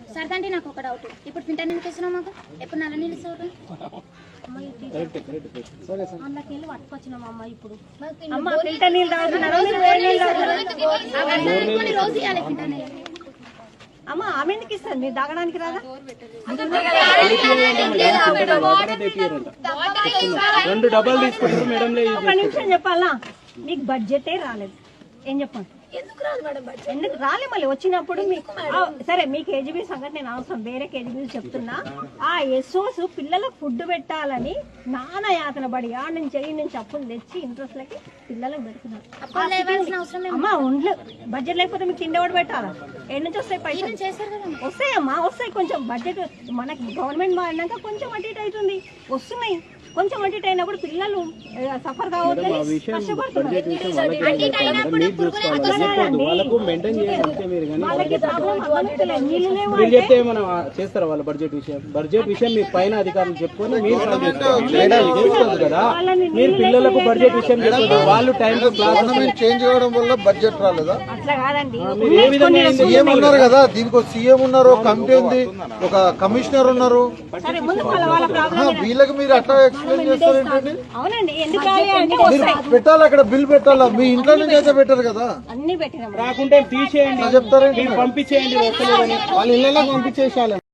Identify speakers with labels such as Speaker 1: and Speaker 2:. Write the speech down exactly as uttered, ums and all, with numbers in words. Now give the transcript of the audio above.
Speaker 1: సరదండి నాకు ఒక డౌట్. ఇప్పుడు ఫిల్టర్ నీళ్ళు తెచ్చినావు మాకు, ఎప్పుడు నల్ల నీళ్ళు ఇస్తావు?
Speaker 2: అందులోకి పట్టుకొచ్చినాం అమ్మ. ఇప్పుడు అమ్మ ఫిల్టర్ నీళ్ళు తాగుతున్నారు,
Speaker 1: రోజు ఇవ్వాలి ఫిల్టర్ నీళ్ళు.
Speaker 2: అమ్మ ఆమె ఎందుకు ఇస్తారు, మీరు తాగడానికి రాదా?
Speaker 3: రెండు డబ్బాలు తీసుకుంటారు మేడం.
Speaker 2: ఒక నిమిషం చెప్పాలా, మీకు బడ్జెటే రాలేదు. ఏం చెప్పండి,
Speaker 1: ఎందుకు రాదు మేడం?
Speaker 2: ఎందుకు రాలే? మళ్ళీ వచ్చినప్పుడు మీకు సరే, మీ కేజీబీ సంగతి నేను అవసరం, వేరే కేజీబీలు చెప్తున్నా. ఆ ఎస్ఓస్ పిల్లలకు ఫుడ్ పెట్టాలని నాన్న యాతన పడి ఆ నుంచి చెయ్యి నుంచి అప్పులు తెచ్చి ఇంట్రెస్ట్ లకి పిల్లలకు పెడుతున్నారు. అమ్మా ఒండ్లు బడ్జెట్ లేకపోతే మీకు తిండేవాడు పెట్టాలా? ఏడు నుంచి వస్తాయి పైసలు? వస్తాయమ్మా వస్తాయి. కొంచెం బడ్జెట్ మనకి గవర్నమెంట్ మారినాక కొంచెం అటు ఇటు అవుతుంది, వస్తున్నాయి. కొంచెం అటు ఇటు అయినప్పుడు పిల్లలు సఫర్ కావద్దని కష్టపడుతున్నారు.
Speaker 3: చేస్తారా వాళ్ళ బడ్జెట్ విషయం? బడ్జెట్ విషయం మీ పైన అధికారులు చెప్పుకొని మీరు చేసుకోవచ్చు కదా. మీరు పిల్లలకు బడ్జెట్ విషయం చెప్పారు, వాళ్ళు టైం
Speaker 4: చేంజ్ అవ్వడం వల్ల బడ్జెట్ రాలేదా?
Speaker 2: అట్లా కాదండి,
Speaker 4: సీఎం ఉన్నారు కదా, దీనికి సీఎం ఉన్నారు, కమిటీ ఉంది, ఒక కమిషనర్ ఉన్నారు. వీళ్ళకి మీరు అట్లా ఎక్స్ప్లెయిన్ చేస్తారు ఏంటండి?
Speaker 2: అవునండి, ఎందుకు
Speaker 4: పెట్టాలి అక్కడ బిల్ పెట్టాలా? మీ ఇంట్లో నుంచి అయితే పెట్టారు కదా,
Speaker 2: అన్ని పెట్టినా
Speaker 3: రాకుంటే తీసేయండి,
Speaker 4: చెప్తారా?
Speaker 3: పంపించేయండి, వాళ్ళ ఇళ్ళలో పంపించేసాలి.